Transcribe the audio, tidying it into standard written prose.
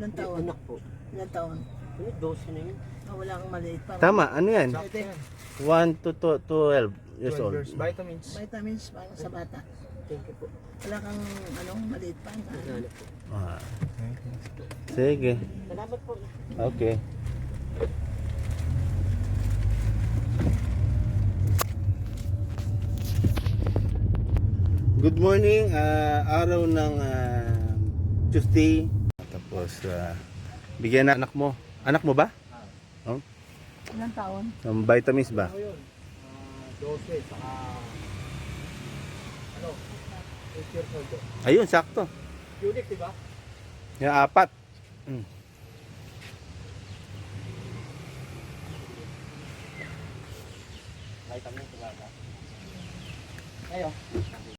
Ilan taon? Anak po. Ilan taon? 12 na yun. Wala kang maliit pa. Tama, ano yan? Pwede. 1 to 12 years 12 old. years. Vitamins. Vitamins para sa bata. Thank you po. Wala kang maliit pa. Anak po. Ah. Sige. Salamat po. Okay. Good morning, araw ng Tuesday. Tapos bigyan na anak mo. Anak mo ba? Oh? Ilan taon? Ng vitamins ba? Ano yun? 12, saka... Ano? 8 years old. Ayun, sakto. Unique, diba? Yung 4. Vitamins, diba? Ayo.